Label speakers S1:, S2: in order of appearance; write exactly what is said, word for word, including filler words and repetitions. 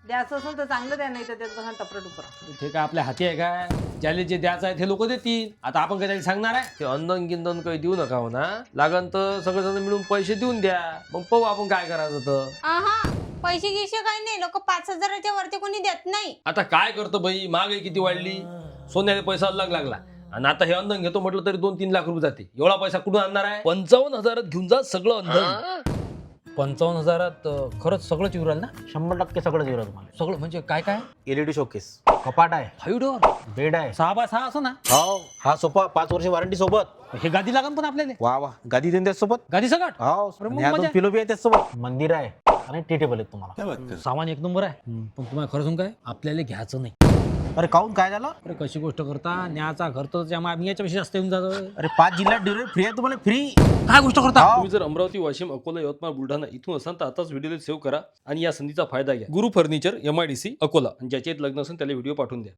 S1: द्यायचं असेल तर चांगलं द्या, नाही तर त्यात बघा टपर टुपर.
S2: ते काय आपल्या हाती आहे काय? ज्याला जे द्यायचं आहे ते लोक देतील. आता आपण काय त्याला सांगणार आहे? ते अंदन गिंदन काही देऊ नका म्हणा, लागन तर सगळेजण मिळून पैसे देऊन द्या, मग पाहू आपण काय करायचं तर.
S3: आहा पैसे गिसे काही नाही, लोक पाच हजाराच्या वरती कोणी देत नाही.
S2: आता काय करतो बाई, महागाई किती वाढली, सोन्याला पैसा अलग लागला आणि आता हे अंधन घेतो म्हटलं तरी दोन तीन लाख रुपये जाते. एवढा पैसा कुठून आणणार आहे? पंचावन्न हजारात घेऊन जा सगळं अंधन. पंचावन्न हजारात अं, खरंच सगळंच येऊ राहिलं ना?
S4: शंभर टक्के सगळं देऊ तुम्हाला.
S2: सगळं म्हणजे काय काय?
S4: एलईडी शोकेस, कपाट आहे,
S2: फाईव्ह डोअर,
S4: बेड आहे,
S2: सहा बाय सहा असं ना?
S4: हो हा सोफा पाच वर्ष वॉरंटी सोबत.
S2: हे गादी लागन पण आपल्याला,
S4: वा वा गादी देऊन त्यासोबत.
S2: गादी सगळं
S4: हो
S2: अरे मग
S4: आणि ह्या दोन
S2: मजा.
S4: पिलो बी आहे त्यासोबत. मंदिर आहे आणि टी टेबल आहेत तुम्हाला.
S2: सामान एक नंबर आहे, पण तुम्हाला खरं सांगू काय, आपल्याला घ्यायचं नाही.
S4: अरे काहून काय झालं?
S2: अरे कशी गोष्ट करता, न्याचा घर तर त्यामुळे आम्ही याच्यापेक्षा जास्त येऊन जातो.
S4: अरे पाच जिल्ह्यात डिलिव्हरी फ्री आहे तुम्हाला, फ्री.
S2: काय गोष्ट करता?
S4: हो.
S2: तुम्ही जर अमरावती, वाशिम, अकोला, यवतमाळ, बुलढाणा इथून असाल तर आताच व्हिडिओला सेव्ह करा आणि या संधीचा फायदा घ्या. Guru furniture, M I D C, Akola, आणि ज्याचे लग्न असेल त्याला व्हिडिओ पाठवून द्या.